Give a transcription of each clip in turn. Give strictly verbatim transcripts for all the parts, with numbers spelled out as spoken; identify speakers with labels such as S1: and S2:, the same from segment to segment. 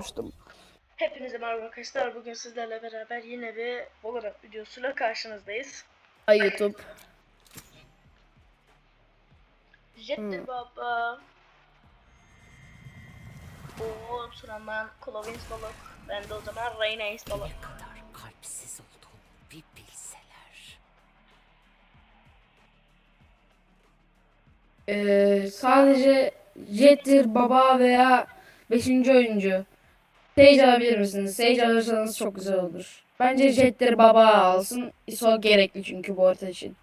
S1: olmuştum.
S2: Hepinize merhaba arkadaşlar. Bugün sizlerle beraber yine bir Valorant videosuyla karşınızdayız.
S1: Ay YouTube.
S2: Jettir
S1: Hmm.
S2: baba. Oo Turan'dan Clovins balık. Ben de o zaman Reyna balık.
S3: Ne kadar kalpsiz olduğumu bir bilseler.
S1: Ee, sadece Jet'tir baba veya beşinci oyuncu. Sage alabilir misiniz? Sage alırsanız çok güzel olur. Bence Jet'tir baba alsın. ISO gerekli çünkü bu orta için.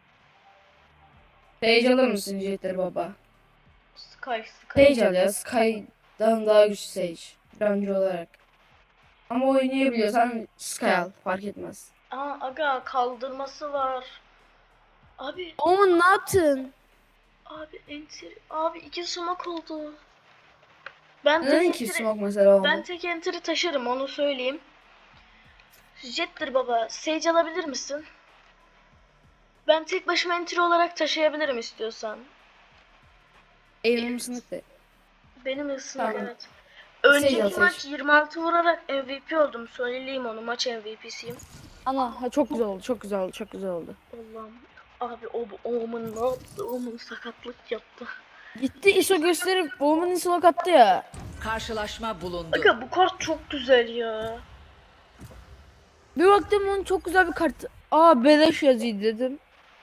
S1: Sage alır mısın Jet'tir baba?
S2: Sky Sky.
S1: Sage al ya. Sky'dan daha güçlü Sage. Bence olarak. Ama oynayabiliyorsan Sky al. Fark etmez.
S2: Aa aga kaldırması var. Abi
S1: Oğlum ne yaptın?
S2: abi enter abi iki sumak oldu. Ben
S1: Neden
S2: tek
S1: ki
S2: enteri,
S1: smoke mesela oldu?
S2: ben tek enteri taşırım onu söyleyeyim. Jettir baba. Sage alabilir misin? Ben tek başıma entry olarak taşıyabilirim istiyorsan.
S1: Elim sınıktı.
S2: Benim ısınık
S1: Tamam.
S2: evet. Önceki
S1: Sage al,
S2: maç
S1: Sage.
S2: yirmi altı vurarak M V P oldum. Söyleyeyim onu, maç M V P'siyim.
S1: Ana ha, çok güzel oldu, çok güzel oldu, çok güzel oldu.
S2: Allah'ım. Abi o bu Omen ne yaptı? Omen sakatlık yaptı.
S1: Gitti ISO gösterip Bowman ISO attı ya.
S3: Karşılaşma bulundu.
S2: Aga bu kart çok güzel ya.
S1: Bir baktım onun çok güzel bir kart. Aa beleş yazıydı dedim.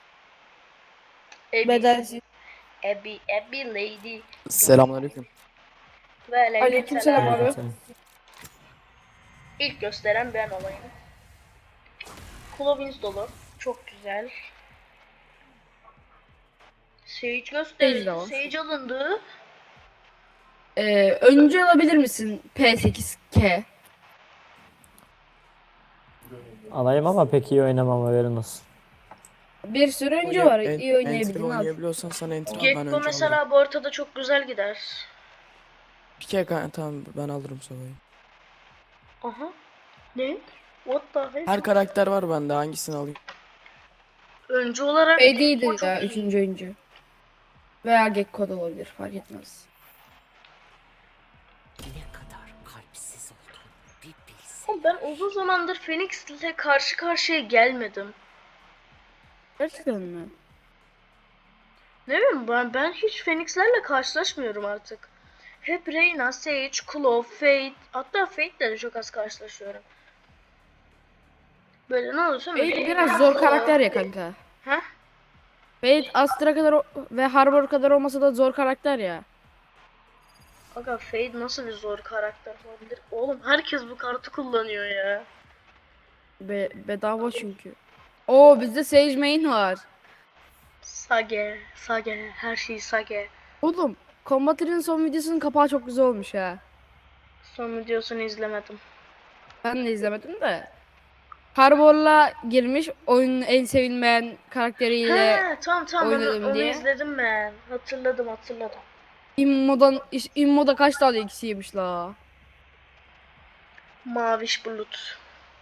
S2: Ebi,
S1: Bedelsiz.
S2: Ebi, Ebi lady.
S4: Selamünaleyküm.
S2: Ve
S1: Aleykümselam
S2: aleykümselam.
S1: abi.
S4: Selam.
S2: İlk gösteren ben olayım. Clovins dolu. Çok güzel. Sage
S1: Sage de
S2: gösterildi.
S1: var.
S2: Sage alındı.
S1: Ee, öncü alabilir misin P sekiz K?
S5: Alayım ama pek iyi oynamam, haberin olsun.
S1: Bir sürü öncü var.
S4: En-
S1: İyi
S4: entry
S1: oynayabildiğin al.
S4: oynayabiliyorsan sana entry al, ben
S2: Gekko
S4: önce alırım.
S2: mesela bu ortada çok güzel gider.
S4: Bir kere kan- tamam ben alırım Sova'yı.
S2: Aha. Ne? What the heck?
S4: Her karakter var bende, hangisini alayım?
S2: Öncü olarak
S1: P değildir
S2: Gekko
S1: ya
S2: çok iyi.
S1: üçüncü oyuncu. Veya Gekko da olabilir fark etmez.
S3: Ne kadar kalpsiz olduğumu bir bilseler.
S2: Ama ben uzun zamandır Phoenix ile karşı karşıya gelmedim.
S1: Gerçekten mi?
S2: Ne bileyim ben, ben hiç Phoenix'lerle karşılaşmıyorum artık. Hep Reyna, Sage, Claw, Fate, hatta Fate'le de çok az karşılaşıyorum. Böyle ne olursa
S1: Fate
S2: Reyna,
S1: biraz zor
S2: Claw.
S1: karakter ya kanka.
S2: Heh?
S1: Fate Astra kadar o- ve Harbor kadar olmasa da zor karakter ya.
S2: Aga Fate nasıl bir zor karakter olabilir? Oğlum herkes bu kartı kullanıyor ya.
S1: Be bedava çünkü. Oo bizde Sage main var.
S2: Sage, Sage, her şey Sage.
S1: Oğlum Combater'ın son videosunun kapağı çok güzel olmuş ha.
S2: Son videosunu izlemedim.
S1: Ben de izlemedim de. Harbor'la girmiş oyunun en sevilmeyen karakteriyle
S2: He tamam tamam onu,
S1: oynadım
S2: onu
S1: diye.
S2: izledim ben. Hatırladım hatırladım.
S1: Immo'dan iş- Immo'da kaç tane ikisi yemiş la.
S2: Maviş bulut.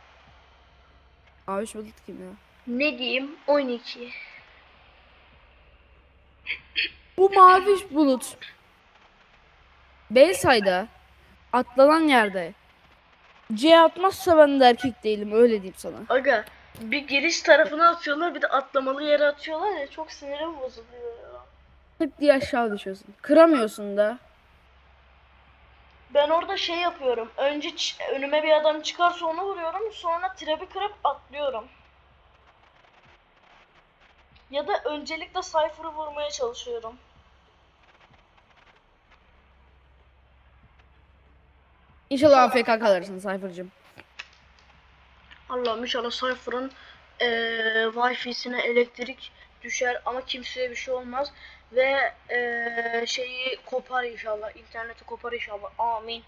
S1: Abi şu bulut kim ya?
S2: Ne diyeyim? on iki.
S1: Bu mavi bulut. Belsay'da atlanan yerde C atmazsa ben de erkek değilim öyle diyeyim sana.
S2: Aga bir giriş tarafına atıyorlar bir de atlamalı yere atıyorlar ya, çok sinirim bozuluyor ya.
S1: Tık diye aşağı düşüyorsun. Kıramıyorsun da.
S2: Ben orada şey yapıyorum. Önce ç- önüme bir adam çıkarsa onu vuruyorum. Sonra trap'i kırıp atlıyorum. Ya da öncelikle Cypher'ı vurmaya çalışıyorum.
S1: İnşallah A F K kalırsın Cypher'cığım.
S2: Allah'ım inşallah Cypher'ın eee Wi-Fi'sine elektrik düşer ama kimseye bir şey olmaz. Ve eee, şeyi kopar inşallah. İnterneti kopar inşallah. Amin.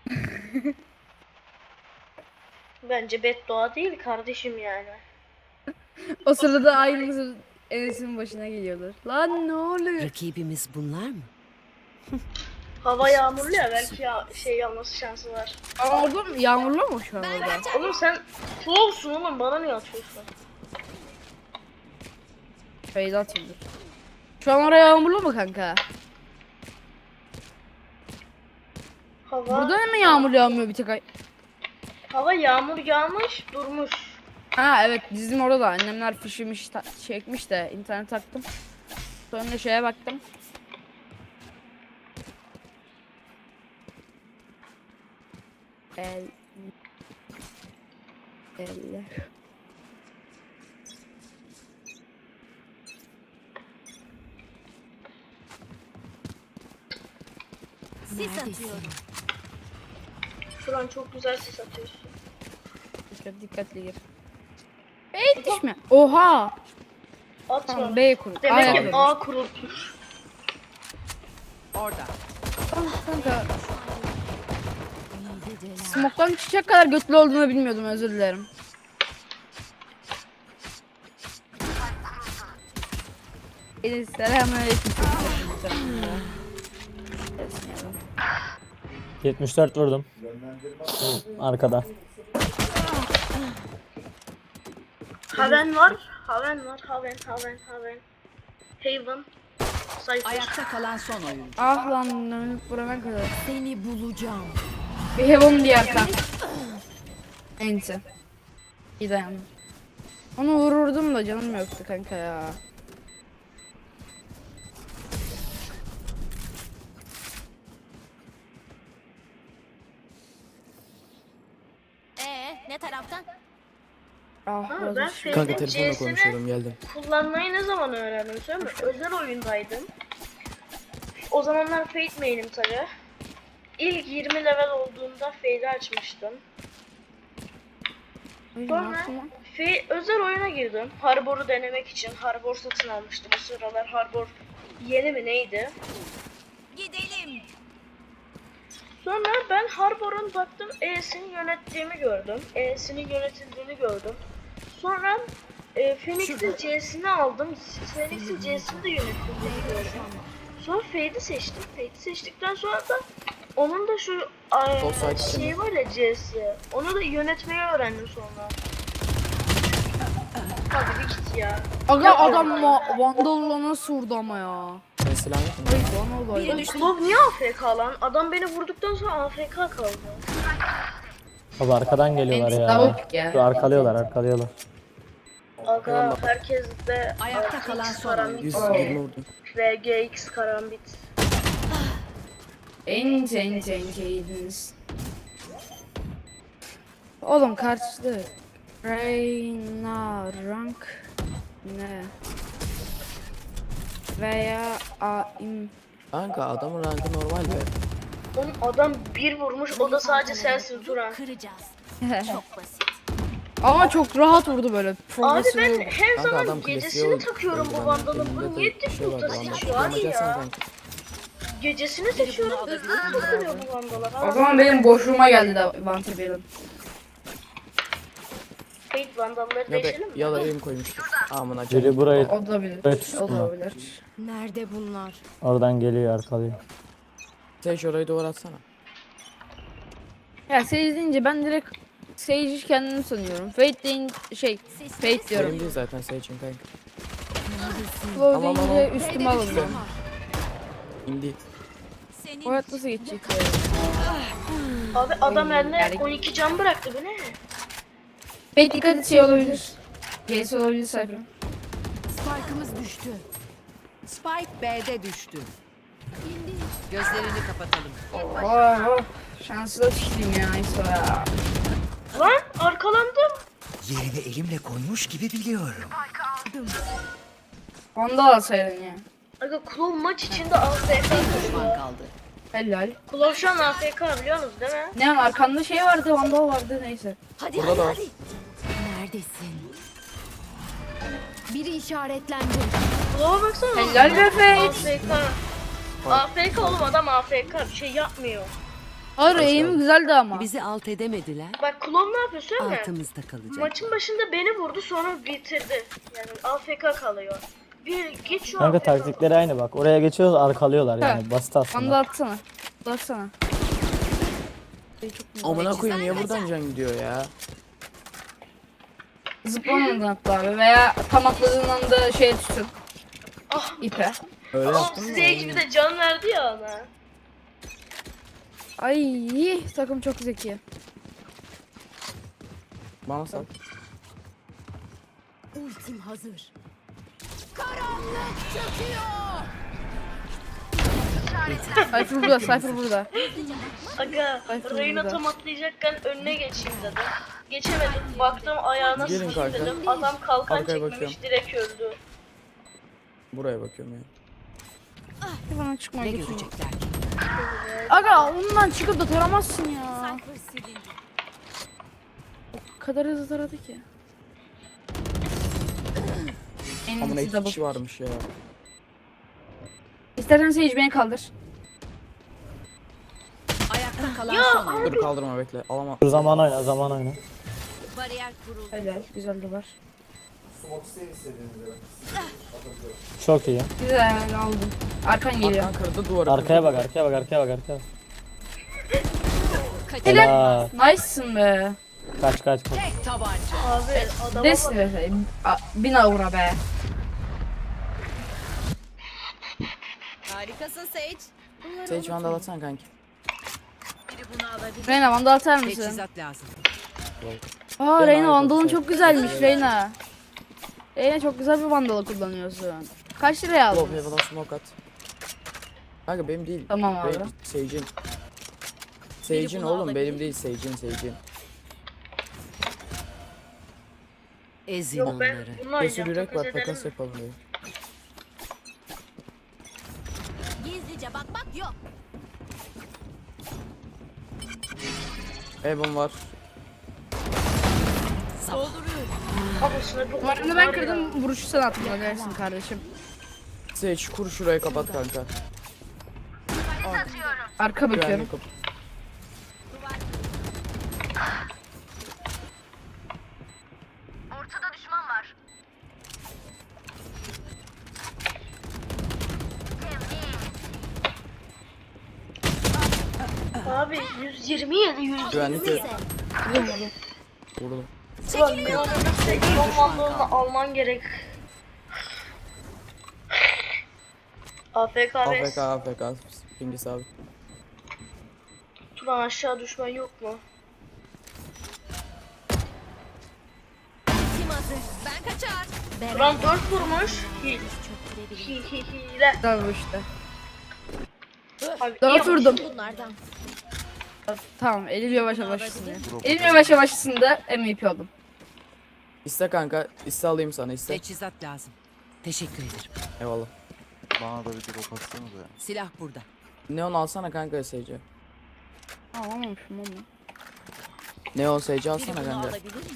S2: Bence beddua değil kardeşim yani.
S1: O sırada aynısı Enes'in başına geliyorlar. Lan ne oluyor?
S3: Rakibimiz bunlar mı?
S2: Hava yağmurlu ya, belki ya şey yağması şansı var.
S1: Yağmurlu mu? Yağmurlu mu şu an orada?
S2: Oğlum sen flowsun oğlum, bana niye atıyorsun?
S1: Feyza atıldı. Şu an oraya yağmurlu mu kanka?
S2: Hava,
S1: Burada mi yağmur yağmıyor bir tek ay?
S2: hava yağmur yağmış durmuş.
S1: Ha evet, bizim orada da annemler fişimiş ta- çekmiş de internet taktım. Sonra şeye baktım. El Elle.
S3: Sis atıyorum.
S2: Şu an çok güzel ses atıyorsun.
S1: Dikkat, dikkatli gir. B yetişme. Oha.
S2: Atma.
S1: Tamam, B kur.
S2: Demek
S1: A'ya
S2: ki
S1: kur.
S2: A kurulmuş.
S3: Orada.
S1: Ah, kanka. Smoke'tan çıkacak kadar götlü olduğunu bilmiyordum, özür dilerim. Ee, Selamünaleyküm.
S5: yetmiş dört vurdum. Arkada.
S2: Haven var. Haven var. Haven, Haven, Haven. Haven. Cypher.
S3: Ayakta kalan son oyuncu.
S1: Ah lan, önlük burana kadar.
S3: Seni bulacağım.
S1: Bir Heaven diğer kan. Enti. İyi dayandım. Onu vururdum da canım yoktu kanka ya.
S3: Ee, ne taraftan?
S1: Ah,
S2: Ha,
S1: biraz
S2: ben
S1: uçuyor.
S4: Kanka
S2: Fade'in
S4: telefonla
S2: C'sini
S4: konuşuyordum, geldim.
S2: kullanmayı ne zaman öğrendim söyleyeyim mi? Özel oyundaydım. O zamanlar Fade main'im tabi. İlk yirmi level olduğunda Fade'i açmıştım.
S1: Ay, ne
S2: Sonra
S1: yaptım lan?
S2: Fade, özel oyuna girdim. Harbor'u denemek için. Harbor satın almıştım. O sıralar Harbor yeni mi neydi?
S3: Gidelim.
S2: Sonra ben Harbor'un baktım E'sini yönettiğimi gördüm. E'sinin yönetildiğini gördüm. Sonra e, Phoenix'in C'sini aldım. Phoenix'in C'sini de yönetildiğini gördüm. Sonra Fade'i seçtim. Fade'i seçtikten sonra da onun da şu a,
S4: Sol side
S2: şey
S4: içinde.
S2: var ya C'si. Onu da yönetmeyi öğrendim sonra. Hadi bir git ya.
S1: Aga adam ma- Vandal'la nasıl vurdu ama ya.
S4: Sen silah yok mu?
S1: Ay bana olay.
S3: Biri düştü.
S2: Klov niye A F K lan? Adam beni vurduktan sonra A F K kaldı.
S5: Abi arkadan geliyorlar ya.
S1: Double pick ya.
S5: Dur, arkalıyorlar arkalıyorlar.
S2: Aga herkes de
S3: Ayakta
S2: R X
S3: kalan son
S2: karambit,
S4: yüz yirmi vurdum.
S2: R G X karambit.
S1: Enti enti enti yediniz. Oğlum karşıda Reyna rank ne? Veya aim.
S4: Kanka adamın rankı normal be.
S2: Oğlum adam bir vurmuş o da sadece sensin Turan.
S3: Kıracağız. Çok basit.
S1: Ama çok rahat vurdu böyle.
S2: Abi
S1: Profesyonel
S2: ben
S1: vurdu.
S2: her
S4: Kanka
S2: zaman
S4: adam klasiğe
S2: gecesini
S4: oldu.
S2: takıyorum bu
S4: Ben
S2: vandalın.
S4: elimde
S2: Bu
S4: de
S2: niye
S4: bir şey vardı,
S2: TikTok'ta
S4: bana
S2: seçiyor var
S4: kullanacaksan
S2: ya.
S4: kanka.
S2: Gecesini seçiyorum hızlı takılıyor bu vandalar.
S1: O zaman benim boşluğuma geldi de Vantabellum.
S2: Fate vandalları
S4: Ya da,
S2: değişelim mi?
S4: ya da elim koymuştur. Amına
S5: Biri
S4: koyayım.
S5: burayı
S1: O da bilir.
S5: burayı
S1: O da
S5: tutsunlar.
S1: olabilir.
S3: Nerede bunlar?
S5: Oradan geliyor arkalıyor.
S4: Sen şu orayı duvar atsana.
S1: Ya Sage deyince ben direkt Sage'i kendim sanıyorum. Fate deyince şey, Fate diyorum.
S4: Benim değil zaten seçim kanka.
S1: Flow
S4: Tamam,
S1: deyince
S4: tamam.
S1: üstüme alınıyor.
S4: İndi.
S3: Senin
S1: O hayat nasıl geçecek ya?
S2: Abi adam eline
S1: Yani-
S2: on iki can bıraktı bu ne?
S1: Fate dikkat et, şey olabilir. Gerisi olabilir Cypher.
S3: Spike'ımız düştü. Spike B'de düştü. Gözlerini kapatalım.
S1: Oh, oh. Şanslı da çıktım ya İso ya.
S2: Lan arkalandım.
S6: Yerini elimle koymuş gibi biliyorum.
S1: Vandal alsaydın ya.
S2: Aga Klov maç içinde A F K
S3: Düşman
S2: kalıyor.
S3: kaldı.
S1: Helal.
S2: Klov şu an A F K biliyorsunuz değil mi?
S1: Ne an arkanda şey vardı, Vandal vardı, neyse.
S3: Hadi
S4: Burada
S3: hadi
S4: da.
S3: hadi. Neredesin? Biri işaretlendi.
S2: Klov'a baksana.
S1: Helal be Fate.
S2: A F K. A F K oğlum adam A F K bir şey yapmıyor.
S1: Hayır, aim'i güzeldi ama.
S7: Bizi alt edemediler.
S2: Bak Klov ne yapıyor söyleme.
S7: Altımızda kalacak.
S2: Maçın başında beni vurdu sonra bitirdi. Yani A F K kalıyor. Bir git şu
S5: Kanka
S2: A F K.
S5: taktikleri aynı bak. Oraya geçiyoruz arkalıyorlar yani.
S1: Ha.
S5: Basit
S1: Vandal
S5: aslında.
S1: atsana. Vandal atsana.
S4: Amına koyayım niye buradan can gidiyor ya?
S1: Zıplamadın hatta abi, veya tam atladığın anda şey tutun.
S2: Ah.
S1: İpe.
S4: Öyle
S2: Ah,
S4: yaptın mı?
S2: Sage bir de can verdi ya ona.
S1: Ay takım çok zeki.
S4: Bana sal.
S3: Ultim hazır.
S1: Cypher burada, Cypher burada.
S2: Aga
S1: Cypher
S2: Reyna
S1: burada.
S2: tam atlayacakken önüne geçeyim dedim. Geçemedim. Baktım ayağına
S4: Gelin
S2: sıkayım
S4: kanka.
S2: dedim. Adam kalkan
S4: Arkaya
S2: çekmemiş
S4: bakıyorum.
S2: direkt öldü.
S4: Buraya bakıyorum yani.
S1: Bana çıkma
S3: Ne
S1: götürme.
S3: görecekler ki?
S1: Aga ondan çıkıp da taramazsın ya.
S3: Cypher silindi.
S1: O kadar hızlı taradı ki. En
S4: Amına
S1: iyisi
S4: iki
S1: double.
S4: kişi varmış ya.
S1: İstersen Sage beni kaldır.
S3: Ayakta kalan son oyuncu.
S4: Dur kaldırma bekle. Alama.
S5: Dur zaman oyna zaman oyna.
S3: Bariyer kuruldu.
S1: Helal, güzel de var.
S5: Çok iyi.
S1: Güzel aldım. Arkan geliyor.
S4: Arkan kırdı duvarı.
S5: Arkaya
S4: kırdı.
S5: bak arkaya bak arkaya bak arkaya bak.
S1: Helal.
S5: Helal.
S1: Nice'sın be.
S5: Kaç kaç kaç.
S3: Tek tabanca.
S2: Abi adama
S1: Desin
S2: bak.
S1: be. A- Bin avra be.
S3: Harikasın Sage.
S4: Sage vandal atsana kanki.
S3: Biri bunu alabilir.
S1: Reyna vandal atar mısın?
S3: Teçhizat lazım.
S1: Aa
S4: Ben
S1: Reyna
S4: ayrı
S1: vandalın
S4: bakacağım.
S1: çok güzelmiş Reyna. Reyna çok güzel bir vandalı kullanıyorsun. Kaç liraya
S4: Low
S1: aldın?
S4: heaven'a smoke at. Kanka benim değil.
S1: Tamam abi.
S4: Benim, Sage'in. Sage'in
S3: bunu
S4: oğlum
S3: alabilir
S4: benim
S3: mi?
S4: değil Sage'in Sage'in.
S3: Ezin
S2: Yok ben
S3: onları.
S2: bununla
S4: Cesur
S2: oynayacağım.
S4: yürek
S2: Takas
S4: var
S2: edelim
S4: takas
S2: mi?
S4: yapalım diye.
S3: Gizlice bakmak yok.
S4: Evan var.
S2: Kafasına çok
S1: Duvarını ben kırdım, vuruşu sen attın. Ödersin kardeşim.
S4: Sage kur şurayı kapat kanka.
S1: Arka bakıyorum.
S4: Güvenlik kapı.
S2: Abi yüz yirmi yedi yüz yirmi.
S4: Güvenlik yok. Vurdum.
S2: Ulan Leon'un sekson vandalını alman gerek. A F K
S4: A
S2: ve
S4: F K A F K. Pingi sabit.
S2: Turan aşağı düşmen yok mu?
S3: Kim hazır? Ben kaçar.
S2: Turan dört vurmuş. Hil. Hil hil hile.
S1: Güzel vuruştu.
S2: Abi
S1: Dört
S2: iyi
S1: vurdum.
S3: Bunlardan.
S1: Tamam, Elim yavaş yavaşsın ya. Elim yavaş yavaşsında M V P oldum.
S4: İste kanka. İste alayım sana iste.
S3: Teçhizat lazım. Teşekkür ederim.
S4: Eyvallah.
S7: Bana da bir drop atsanıza ya.
S3: Silah burada.
S4: Neon alsana kanka Sage'i.
S1: Alamamışım onu.
S4: Neon Sage'i
S3: Biri
S4: alsana
S3: bunu
S4: kanka.
S3: alabilir mi?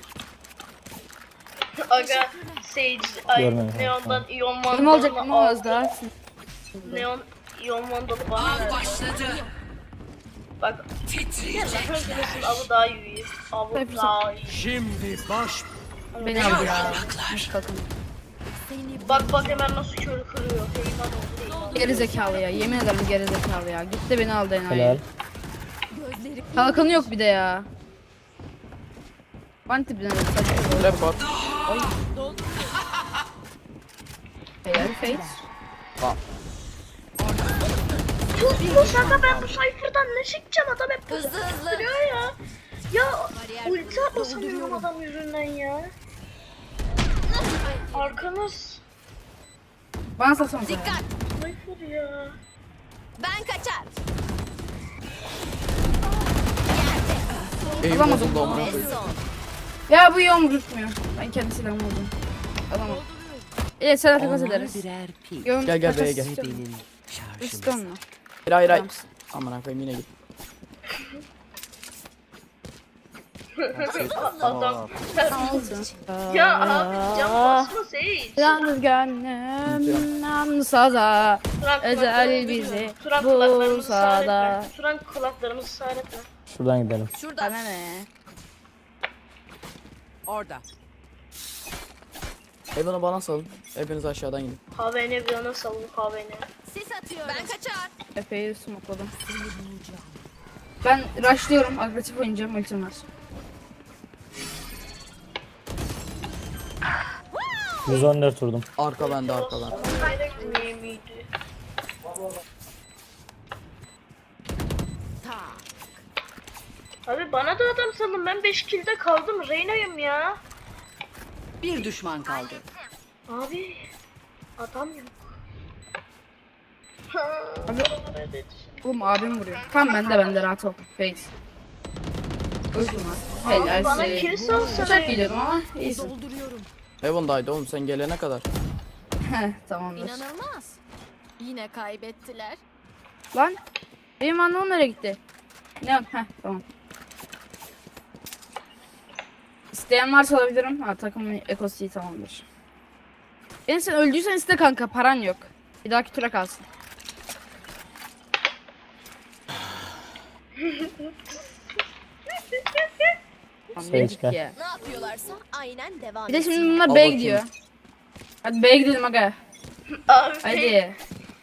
S2: Aga Sage ay
S5: Görmedim.
S2: Neon'dan iyon
S1: Kim olacak
S2: vandalını
S1: ama az
S2: al.
S1: daha.
S2: Neon iyon vandalı bana ver.
S3: Başladı.
S2: Bak. Ya Hercules'in avı daha iyi. Avı
S1: Hepsi-
S2: daha iyi.
S1: Beni aldı ya. Takım.
S2: Bak bak hemen nasıl körü kırıyor. Heyman oldu heyman.
S1: Geri zekalı ya. Yemin ederim geri zekalı ya. Gitti beni aldı
S5: Helal.
S1: enayi. Kalkanı yok bir de ya. Banti bir tane saçma.
S4: Trap var.
S1: Helal Fate.
S2: Bu şaka ben bu sayfırdan ne çekeceğim adam hep
S3: Hızlı hızlı.
S2: duruyor ya. Ya
S3: Bariyer
S2: ulti atlasamıyorum adam yüzünden ya. Arkanız
S1: Bana satsana.
S3: Dikkat.
S2: sayfır ya.
S3: Ben kaçar.
S4: Eğim
S1: Alamadım.
S4: bozuldu amına
S3: Ve
S4: koyayım.
S3: son.
S1: Ya bu yom tutmuyor. Ben kendi silahımı buldum. Alamadım. İyi sana takas
S3: Onlar
S1: ederiz.
S3: birer pil.
S1: Yom
S4: Gel, gel
S1: takas
S4: B'ye gel.
S1: istiyor musun?
S3: Benim
S1: İstiyor
S3: şarjım.
S1: musun?
S4: Hayır hayır hayır.
S1: Tamam.
S4: Aman koyayım yine git.
S2: Adam
S1: Olsun.
S2: ya abi cam basma Sage.
S1: Yalnız gönlüm yalnız saza.
S2: Turan
S1: Ezel
S2: kulaklarımızı
S1: bizi
S2: duyuyor. Turan kulaklarımızı
S1: bulsa
S2: sağır
S1: da.
S2: etme. Turan kulaklarımızı sağır etme.
S5: Şuradan gidelim.
S3: Şurada.
S1: Bana ne?
S3: Orada.
S4: Evan'ı bana salın. Hepiniz aşağıdan gidin.
S2: Havene bir yana salın havene.
S3: Sis atıyorum. Ben kaçar.
S1: Epey smokladım. Ben rushlıyorum. Agresif oynayacağım. Ultim var.
S5: yüz on dört vurdum.
S4: Arka bende arka bende.
S2: Gerek miydi?
S3: Ta.
S2: Abi bana da adam salın, ben beş kill'de kaldım, Reyna'yım ya.
S3: Bir düşman kaldı.
S2: Abi adam yok.
S1: Abi, oğlum abim vuruyor. Tamam bende bende rahat ol. Face. Öldüm abi.
S2: Abi bana
S1: Helal
S2: kill
S1: size.
S2: salsana.
S1: Uçak gidiyordum ama iyisin.
S3: Dolduruyorum.
S4: Heaven'daydı oğlum sen gelene kadar.
S1: Heh tamamdır.
S8: İnanılmaz. Yine kaybettiler.
S1: Lan benim anlamım nereye gitti? Ne? Heh tamam. İsteyen varsa alabilirim. Ha takımın ekosu iyi tamamdır. En sen öldüysen iste kanka paran yok. Bir dahaki tura kalsın. Tamam,
S5: Sage
S1: yedik
S5: gel.
S1: ya.
S8: Ne yapıyorlarsa aynen devam
S1: Bir de
S8: etsin.
S1: şimdi bunlar
S4: Al
S1: B'ye
S4: bakayım.
S1: gidiyor. Hadi B'ye gidelim aga.
S2: Abi
S1: Hadi.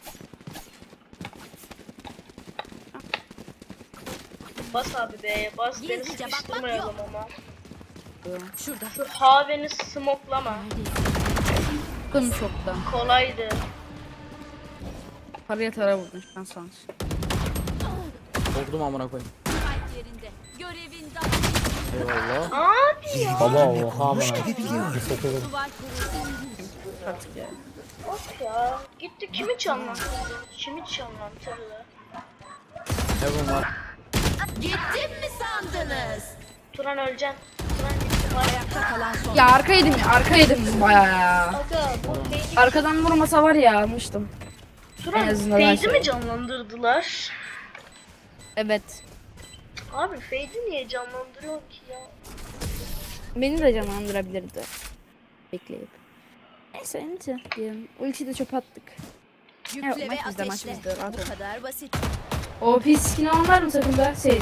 S2: bas abi B'ye bas, beni
S8: Gizlice bakmak
S2: sıkıştırmayalım ama.
S8: Şurada.
S2: Şu haveni smoklama.
S1: Bıktım çoktan.
S2: Kolaydı.
S1: Paraya tara vurdun şu an sonra.
S4: Korktum amına koyayım.
S8: Kalp yerinde. Görevin daha.
S4: Eyvallah.
S2: Abi ya.
S5: Baba oha bana.
S6: gibi biliyorum.
S5: Bir sekiz.
S8: Duvar kuruldu.
S1: Artık ya.
S2: Of ya. Gitti kimi canlandırdı? Kimi canlandırdı?
S4: Heaven var.
S8: Gittim mi sandınız?
S2: Turan öleceksin. Turan gitti var ya.
S3: Kalan son.
S1: Ya arka yedim ya arka yedim bayağı ya.
S2: Aga bu Fade'i,
S1: Arkadan vurmasa var ya almıştım.
S2: Turan
S1: en azından ben
S2: Fade'i
S1: şey-
S2: mi canlandırdılar?
S1: Evet.
S2: Abi Fade'i niye canlandırıyor ki ya?
S1: Beni de canlandırabilirdi. Bekleyip. Neyse neyse diyelim. Ultiyi de çöpe attık.
S8: Yükle
S1: Evet,
S8: ve
S1: maç bizde, maç
S8: ateşle.
S1: bizde, rahat
S8: Bu
S1: ol.
S8: kadar basit.
S1: O pis skin var mı takımda? Sage.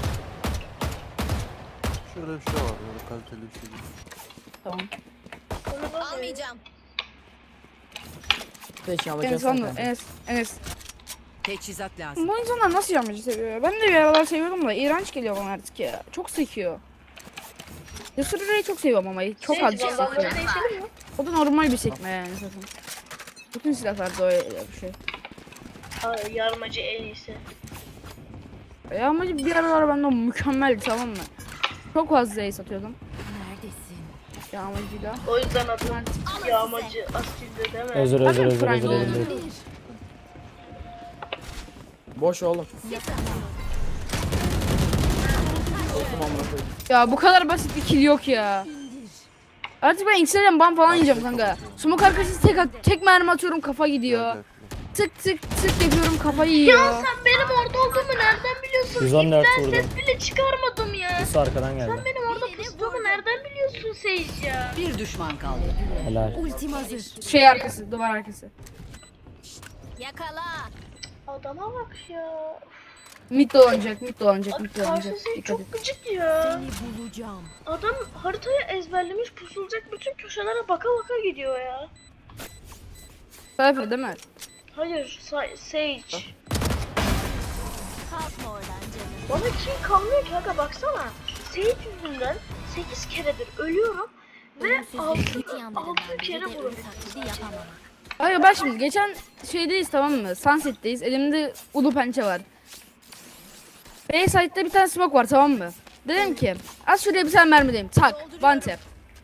S7: Şöyle bir şey var böyle kaliteli bir şey değil.
S1: Tamam.
S2: Onu da
S8: Almayacağım.
S4: Peki
S1: Enes
S4: alacağız
S1: anla.
S4: kanka.
S1: Enes. Enes.
S3: Teçhizat lazım.
S1: Bu insanlar nasıl yağmacı seviyor ya? Ben de bir aralar seviyordum da iğrenç geliyor bana artık ya. Çok sekiyor. Yusuf'u çok seviyorum ama çok
S2: Sage,
S1: azıcık
S2: vandalları
S1: sekiyor.
S2: değişelim mi?
S1: O da normal bir sekme yani zaten. Bütün silahlarda öyle bir şey.
S2: Ay, yarmacı en iyisi.
S1: Yağmacı bir aralar bende mükemmeldi tamam mı? Çok fazla ace atıyordum.
S8: Neredesin?
S1: Yağmacıyla.
S2: O yüzden adım yağmacı asilde değil mi?
S5: Özür özür
S1: Bakın
S5: özür
S1: Prime
S5: özür
S1: oldu.
S5: özür.
S4: Boş oğlum. Korktum amına koyayım.
S1: Ya bu kadar basit bir kill yok ya. Artık ben X'den ban falan yiyeceğim kanka. Smoke arkası tek, at- tek mermi atıyorum kafa gidiyor.
S7: Gel,
S1: Tık tık tık yapıyorum kafayı yiyor.
S2: Ya sen benim orada olduğumu nereden biliyorsun?
S5: yüz on dört
S2: İpten
S5: vurdum.
S2: ses bile çıkarmadım ya.
S5: Üstü arkadan geldi.
S2: Sen benim orada pustuğumu nereden biliyorsun Sage ya?
S3: Bir düşman kaldı.
S5: Helal.
S8: Ultim hazır.
S1: Şey arkası, duvar arkası.
S8: Yakala.
S2: Adama bak ya.
S1: Mid dolanacak, mid dolanacak,
S2: Abi
S1: mid dolanacak.
S2: karşı Sage
S1: Dikkat et.
S2: çok gıcık ya.
S8: Seni bulacağım.
S2: Adam haritayı ezberlemiş, pusulacak bütün köşelere baka baka gidiyor ya.
S1: Sayfa değil mi?
S2: Hayır, Sa- Sage.
S8: Kalkma oradan canım.
S2: Bana kim kalmıyor ki aga baksana. Sage yüzünden sekiz keredir ölüyorum ve altı altı kere vuruluyorum.
S8: Taklidi yapamam.
S1: Hayır bak şimdi geçen şeydeyiz tamam mı? Sunset'teyiz. Elimde ulu pençe var. Bayside'de bir tane smoke var tamam mı? Dedim ki az şuraya bir tane mermi diyeyim. Tak. One tap.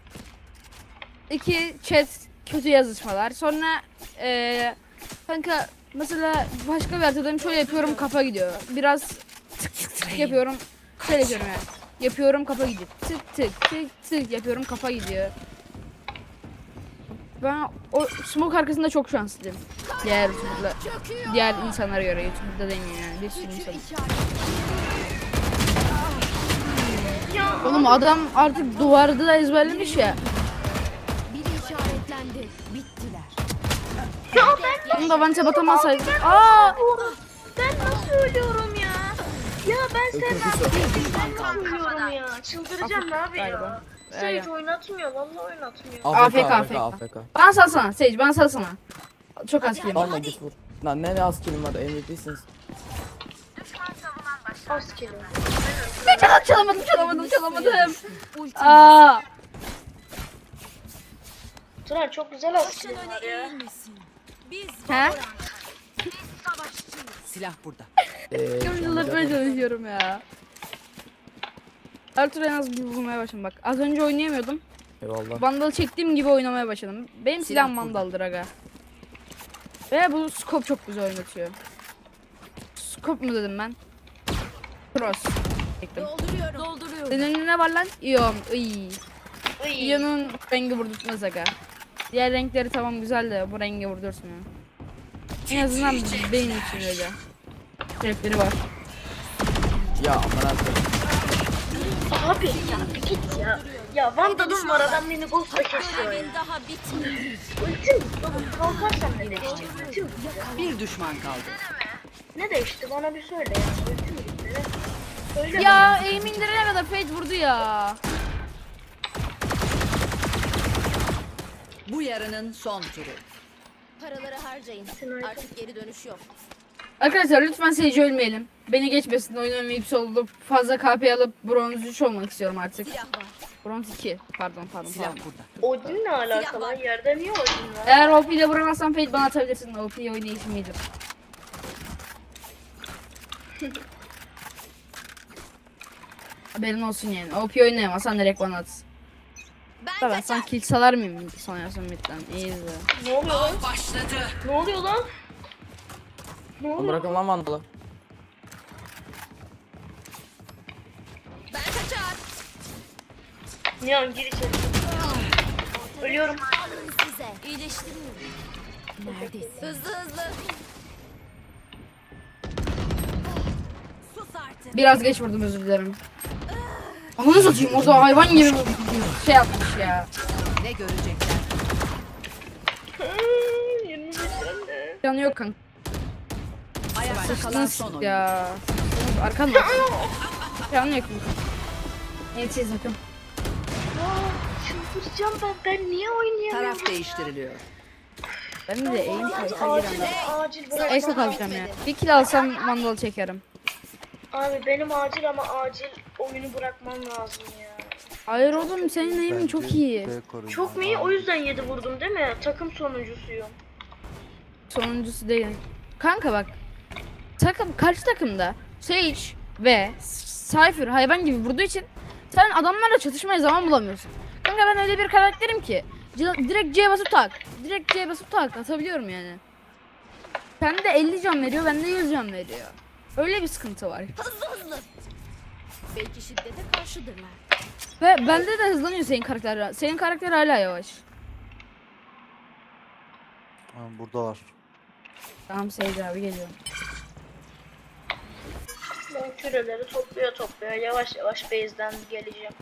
S1: İki chat kötü yazışmalar. Sonra eee kanka mesela başka bir haritadayım şöyle yapıyorum kafa gidiyor. Biraz tık tık tık yapıyorum. Şöyle yapıyorum yani. Yapıyorum kafa gidiyor. Tık tık tık tık yapıyorum kafa gidiyor. Ben o smoke arkasında çok şanslıyım. Diğer YouTuber'la, diğer insanlara göre YouTube'da demeyeyim yani bir sürü insan.
S2: Ya
S1: Oğlum adam artık duvarda da ezberlemiş ya.
S8: Biri işaretlendi. Bittiler.
S2: ya ben
S1: Onu da vance batamasaydım. Aa!
S2: ben nasıl ölüyorum ya? Ya ben sen ben nasıl ölüyorum ya? Çıldıracağım abi ya.
S1: Galiba.
S2: Sage oynatmıyor, vallahi oynatmıyor.
S1: A F K,
S4: A F K, A F K.
S1: Bana salsana Sage bana salsana. Çok az kilim var.
S4: Alma git vur. Lan ne ne az kilim var M V P'siniz.
S2: Az geliyor.
S1: Çalamadım çalamadım çalamadım çalamadım. Aa!
S2: Turan çok güzel az kilim var ya.
S8: Biz
S1: He?
S3: Silah burada.
S4: Eee
S1: Yıllar böyle çalışıyorum ya. Her türlü en az bir vurmaya başladım bak. Az önce oynayamıyordum.
S4: Eyvallah.
S1: Vandalı çektiğim gibi oynamaya başladım. Benim
S3: Silah
S1: silahım Vandal'dır aga. Ve bu scope çok güzel oynatıyor. Scope mu dedim ben? Cross. Çektim.
S8: Dolduruyorum. Dolduruyorum.
S1: Senin önüne var lan? İyon. Iy.
S2: Iy.
S1: İyon'un rengi vurdurtmaz aga. Diğer renkleri tamam güzel de bu rengi vurdurtmuyor. En azından benim için öyle. Renkleri var.
S4: Ya aman Allah'ım.
S2: Abi ya bir git ya. Ya Vandal'ın var adam beni ghost'la kesiyor ya.
S8: Görevin daha bitmedi.
S2: Ultim yok. Kalkarsam ne değişecek? Ultim
S3: Bir düşman kaldı.
S2: ne değişti bana bir söyle ya. Ultim gitti. Ne? Söyle
S1: Ya
S2: bana.
S1: aim indirene kadar Fate vurdu ya.
S3: Bu yarının son turu.
S8: Paraları harcayın. Artık geri dönüş yok.
S1: Arkadaşlar lütfen Sage ölmeyelim. Beni geçmesin oyun oynayıp olup fazla K P alıp bronz üç olmak istiyorum artık.
S8: Silah var.
S1: Bronz iki pardon pardon
S3: Silah
S1: pardon.
S3: burada.
S2: Odin'le alakalı yerde niye Odin var?
S1: Eğer O P ile vuramazsan Fate bana atabilirsin. O P oynayışım iyidir. Haberin olsun yani. O P oynayamazsan direkt bana at.
S8: Ben
S1: Ben
S8: kaçar.
S1: sen kill salar mıyım sanıyorsun midden? İyi izle.
S2: Ne oluyor lan?
S3: Başladı.
S2: Ne oluyor lan? Ne
S4: Lan
S2: oluyor?
S4: bırakın lan Vandalı.
S8: Ben kaçar.
S2: Nihan gir içeri. Ölüyorum.
S8: Alın size. İyileştiriyorum. Neredesin? Hızlı hızlı. Sus artık.
S1: Biraz geç vurdum özür dilerim. Ananı satayım o da hayvan gibi bir şey yapmış ya.
S3: Ne görecekler?
S2: Hmm, yirmi beş anne.
S1: Canı yok kanka.
S3: Ayakta kalan son oyun.
S1: Ya. Arkan mı? Canı yok kanka. Evet siz bakın.
S2: Aa, çıldıracağım ben. Ben niye oynayamıyorum?
S3: Taraf değiştiriliyor.
S1: Ben de aim fight'a
S2: Acil,
S1: giremem.
S2: acil bırak.
S1: Ayakta kalacağım ya. Bir kill alsam mandal çekerim.
S2: Abi benim acil ama acil oyunu bırakmam lazım ya.
S1: Hayır oğlum senin aim'in
S7: Bence
S1: çok iyi.
S7: B koruyucu.
S2: Çok mu iyi? O yüzden yedi vurdum değil mi? Takım sonuncusuyum.
S1: Sonuncusu değil. Kanka bak. Takım karşı takımda Sage ve Cypher hayvan gibi vurduğu için sen adamlarla çatışmaya zaman bulamıyorsun. Kanka ben öyle bir karakterim ki C- direkt C basıp tak. Direkt C basıp tak atabiliyorum yani. Bende elli can veriyor, bende yüz can veriyor. Öyle bir sıkıntı var.
S8: Hızlı hızlı. Belki şiddete karşıdırlar.
S1: Ve bende de hızlanıyor senin karakter. Senin karakter hala yavaş.
S7: Ha, burada var.
S1: Tamam Sage abi geliyorum.
S2: Ben küreleri topluyor topluyor. Yavaş yavaş base'den geleceğim.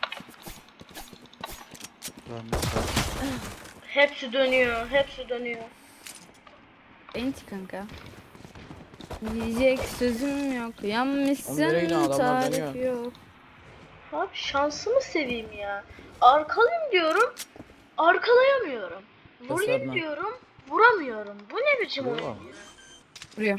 S7: Ben de
S2: Hepsi dönüyor. Hepsi dönüyor.
S1: Enti kanka. Diyecek sözüm yok.
S4: Oğlum nereye
S1: Yanmışsın
S4: gidiyor? Adamlar
S1: tarif
S4: dönüyor.
S1: yok.
S2: Abi şansımı seveyim ya. Arkalayayım diyorum. Arkalayamıyorum. Vurayım
S4: Gösterme.
S2: diyorum. Vuramıyorum. Bu ne biçim
S7: Vuruyor
S2: oyun?
S7: mu?
S1: Vuruyor.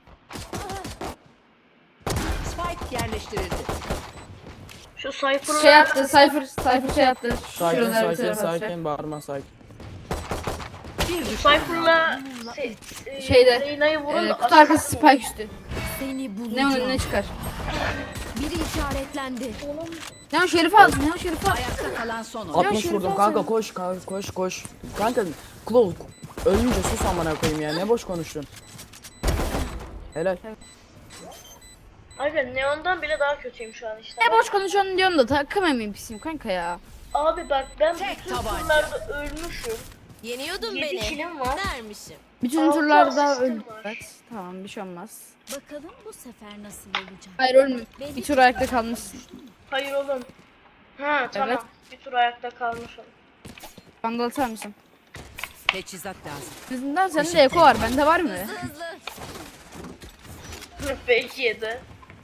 S3: Spike yerleştirildi.
S2: Şu Cypher'ı
S1: Şey yaptı, Cypher, Cypher şey yaptı.
S4: Sakin
S1: Şuralara bir
S4: sakin
S1: tarafa atacak.
S4: sakin bağırma sakin.
S3: Bir düşman
S2: Cypher'la se- e,
S1: Şeyde,
S2: Reyna'yı vurun
S1: Ee,
S2: da
S1: kutu arkası spike üstü.
S8: Seni
S1: Ne
S8: bulacağım.
S1: önüne çıkar.
S8: Biri işaretlendi.
S1: Ne o Şerif'i aldın, ne o Şerif'i aldın.
S3: Ayakta kalan son oyun.
S4: altmış
S1: Şerif
S4: vurdum
S1: al
S4: kanka
S1: sen.
S4: koş kanka koş koş. Kanka Claw ölünce sus amına koyayım ya ne boş konuştun. Helal.
S2: Abi Neon'dan bile daha kötüyüm şu an işte.
S1: Ne boş konuşuyorsun diyorsun da takım emin pisiyim kanka ya.
S2: Abi bak ben
S3: Tek
S2: bütün
S3: tabanca.
S2: turlarda ölmüşüm.
S8: Yeniyordun
S2: yedi
S8: beni.
S2: kilim var.
S8: Dermişim.
S1: Bütün
S2: Altı
S1: turlarda
S2: asistim
S1: öldü.
S2: var.
S1: Evet, tamam bir şey olmaz.
S8: Bakalım bu sefer nasıl olacak?
S1: Hayır ölmüyor. Bir tur ayakta kalmışsın.
S2: Hayır oğlum. Ha tamam.
S1: Evet.
S2: Bir tur ayakta kalmışım.
S1: Vandal atar mısın?
S3: Teçhizat lazım.
S1: Yüzünden sende eko var, bende var mı?
S8: Hızlı hızlı.
S2: Belki yedi.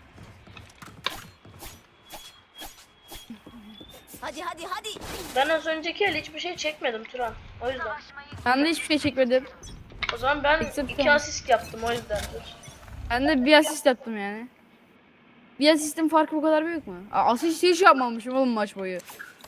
S8: Hadi hadi hadi.
S2: Ben az önceki el hiçbir şey çekmedim Turan. O yüzden.
S1: Ben de hiçbir şey çekmedim.
S2: O zaman ben
S1: Except
S2: iki
S1: one.
S2: asist yaptım o yüzdendir.
S1: Ben de bir asist yaptım yani. Bir asistin farkı bu kadar büyük mü? Aa, asist hiç yapmamışım oğlum maç boyu.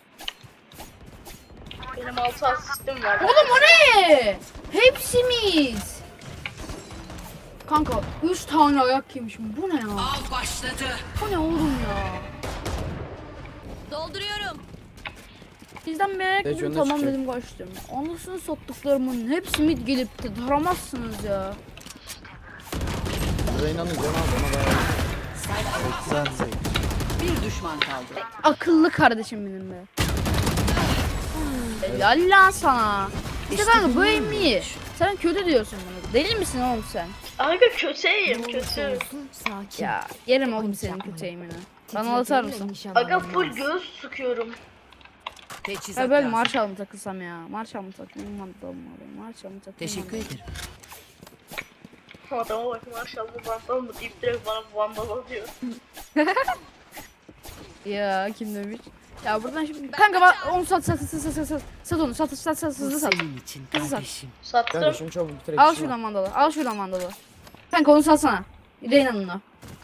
S2: Benim altı asistim var.
S1: Oğlum o ne? Hepsimiz. Kanka üç tane ayak yemişim. Bu ne ya?
S3: Av başladı.
S1: Bu ne oğlum ya?
S8: Dolduruyorum.
S1: Bizden bir
S4: Sage önüne
S1: tamam
S4: çıkacak.
S1: dedim kaçtım. Anasını sattıklarımın hepsi mid gelip de taramazsınız ya.
S4: Reyna'nın canı az ona dayanıyor.
S7: seksen seksen.
S3: Bir düşman kaldı.
S1: Akıllı kardeşim benim be. Helal lan sana. İşte kanka bu aim iyi. Sen kötü diyorsun bunu. Deli misin oğlum sen?
S2: Aga kötüyüm kötü.
S8: Sakin.
S1: Ya yerim oğlum senin kötü aimini. Bana atar mısın?
S2: Aga full göz sıkıyorum.
S3: Teçhizat
S1: Ya böyle
S3: lazım.
S1: Marshall mı takılsam ya? Marshall mı takılayım? Vandal mı alayım? Marshall mı takılayım?
S3: Teşekkür
S1: Vandal mı?
S3: ederim.
S2: Adama bak maşallah vandal mı deyip direkt bana vandal atıyor.
S1: Ya kim demiş? Ya buradan şimdi kanka bak onu sat sat sat sat sat sat sat onu sat sat sat
S3: Bu
S1: hızlı sat.
S3: senin için
S1: Hızlı sat.
S3: kardeşim.
S2: Sattım.
S4: Kanka şunu çabuk bitirek.
S1: Al şuradan mandalı. Al şuradan mandalı. Kanka onu satsana. Reyna'nın o.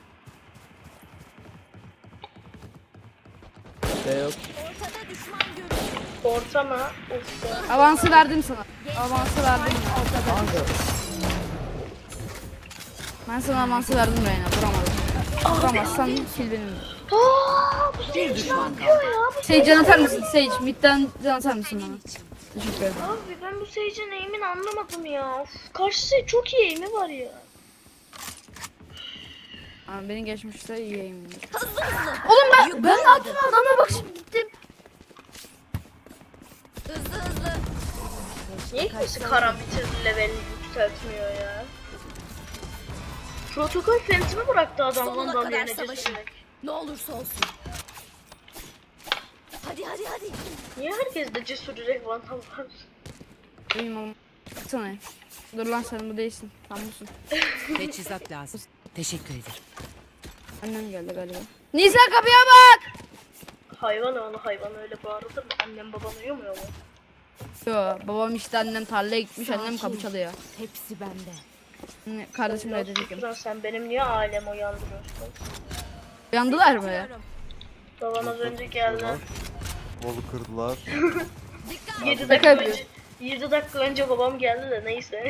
S4: Şey yok.
S8: Ortada düşman görüldü.
S2: Orta mı? Of ya.
S1: Avansı verdim sana. Avansı verdim.
S4: Kanka.
S1: Ben sana avansı verdim Reyna. Vuramadın. Vuramazsan kill benim.
S2: Aaa bu
S3: Bir
S2: Sage ne
S3: düşman
S2: yapıyor
S3: kaldı.
S2: ya? Bu
S1: Sage can atar mısın? Sage midden can atar mısın bana? Teşekkür ederim.
S2: Abi ben bu Sage'in aim'ini anlamadım ya. Of, karşı Sage çok iyi aim'i var ya.
S1: Abi benim geçmişte iyi aim'im. Oğlum ben ben ne yaptım adama bak şimdi gittim.
S8: Hızlı hızlı.
S2: Niye kimse karambit'in levelini yükseltmiyor ya? Protokol fentimi bıraktı adam
S8: Sonuna
S2: ondan
S8: kadar
S2: yerine
S8: savaşın.
S2: cesurek.
S8: Ne olursa olsun. Hadi hadi hadi.
S2: Niye herkes de cesur direkt vandal var?
S1: Benim oğlum. Baksana. Dur lan sen bu değilsin. Sen busun.
S3: Teçhizat lazım. Teşekkür ederim.
S1: Annem geldi galiba. Nisa kapıya bak.
S2: Hayvan onu hayvan öyle bağırılır mı? Annem baban uyumuyor mu?
S1: Yo babam işte annem tarlaya gitmiş annem kapı çalıyor.
S8: Hepsi bende.
S1: Anne, Kardeşim
S2: Biraz
S1: öyle dedim.
S2: sus lan, sen benim niye ailemi uyandırıyorsun?
S1: Uyandılar mı ya?
S2: Babam az önce geldi.
S7: Bolu kırdılar.
S2: yedi
S1: Şaka
S2: dakika
S1: yapıyor.
S2: önce yedi dakika önce babam geldi de neyse.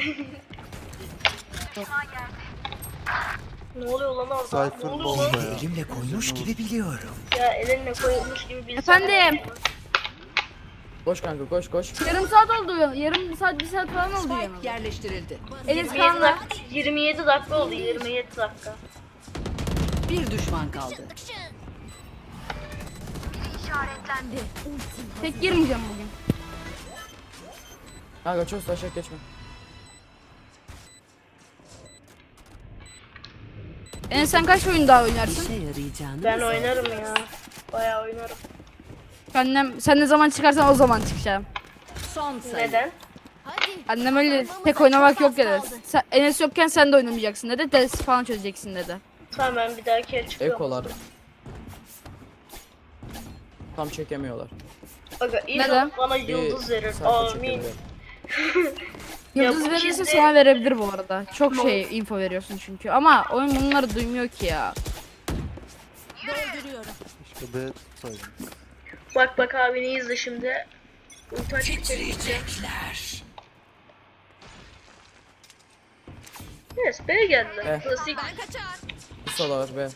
S2: Ne oluyor lan orada? Ne
S7: Cypher
S2: oluyor lan?
S7: bomba ya.
S6: Elimle koymuş gibi biliyorum.
S2: Ya elinle koyulmuş gibi bir insan.
S1: Efendim?
S4: Koş kanka koş koş.
S1: Yarım saat oldu ya. Yarım saat bir saat falan oldu
S3: Spike
S1: ya.
S3: yerleştirildi.
S1: Enes
S2: yirmi yedi,
S1: Kaan'la.
S2: dak- yirmi yedi dakika oldu yirmi yedi dakika.
S3: Bir düşman kaldı.
S1: Tek girmeyeceğim bugün.
S4: Kanka çok taşak geçme.
S1: Enes sen kaç oyun daha oynarsın?
S3: İşe yarayacağını
S2: Ben
S3: mı
S2: oynarım ya. Bayağı oynarım.
S1: Annem sen ne zaman çıkarsan o zaman çıkacağım.
S3: Son sayı.
S2: Neden?
S8: Hadi.
S1: Annem öyle
S8: Kazanmamıza
S1: tek oynamak
S8: çok
S1: yok
S8: az
S1: dedi.
S8: kaldı.
S1: Sen, Enes yokken sen de oynamayacaksın dedi. Ders falan çözeceksin dedi.
S2: Tamam ben bir dahaki el çıkıyorum.
S4: Ekolar. Tam çekemiyorlar.
S2: Aga
S1: Neden?
S2: inşallah bana
S4: Bir
S2: yıldız verir.
S4: sayfa
S2: Amin.
S4: çekebilir.
S2: Ya
S1: Yıldız
S2: bu
S1: verirse
S2: kedi-
S1: sana verebilir bu arada. Çok şey info veriyorsun çünkü. Ama oyun bunları duymuyor ki ya.
S8: Dolduruyorum.
S7: İşte B tutsaydım.
S2: Bak bak abini izle şimdi. Ulti açıp çekeceğim. Yes B'ye geldiler.
S4: Eh.
S2: Klasik.
S8: Ben kaçar.
S4: Kısa da var be.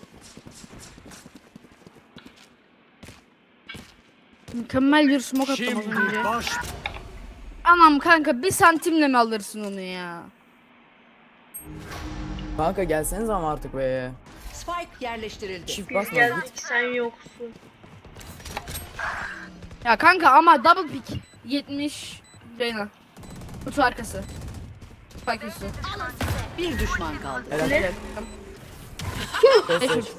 S1: Mükemmel bir smoke attım az önce. Anam kanka bir santimle mi alırsın onu ya?
S4: Kanka gelseniz ama artık be.
S3: Spike yerleştirildi.
S4: Çift
S2: Biz
S4: basma
S2: geldik
S4: git.
S2: sen yoksun.
S1: Ya kanka ama double pick. yetmiş Reyna. Kutu arkası. Spike üstü.
S3: Bir düşman kaldı.
S4: Helal.
S2: Ne?
S1: Eşit.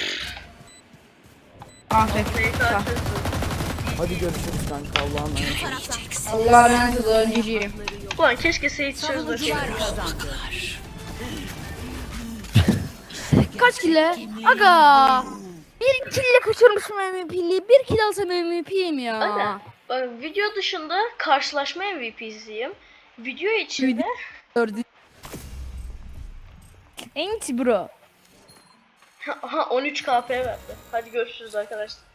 S1: Aferin.
S2: Fake
S1: Sağ.
S2: atıyorsun.
S4: Hadi görüşürüz kanka Allah'a emanet.
S1: Allah'a emanet olun. G G.
S2: Ulan keşke Sage
S3: Savunucular
S2: çözmeseydi.
S3: kazandı.
S1: Kaç kille? Aga. Bir kille kaçırmışım M V P'liği. Bir kill alsam M V P'yim ya.
S2: Aga. Bak video dışında karşılaşma M V P'siyim. Video içinde
S1: Gördün. Enti bro.
S2: aha on üç K P verdi. Hadi görüşürüz arkadaşlar.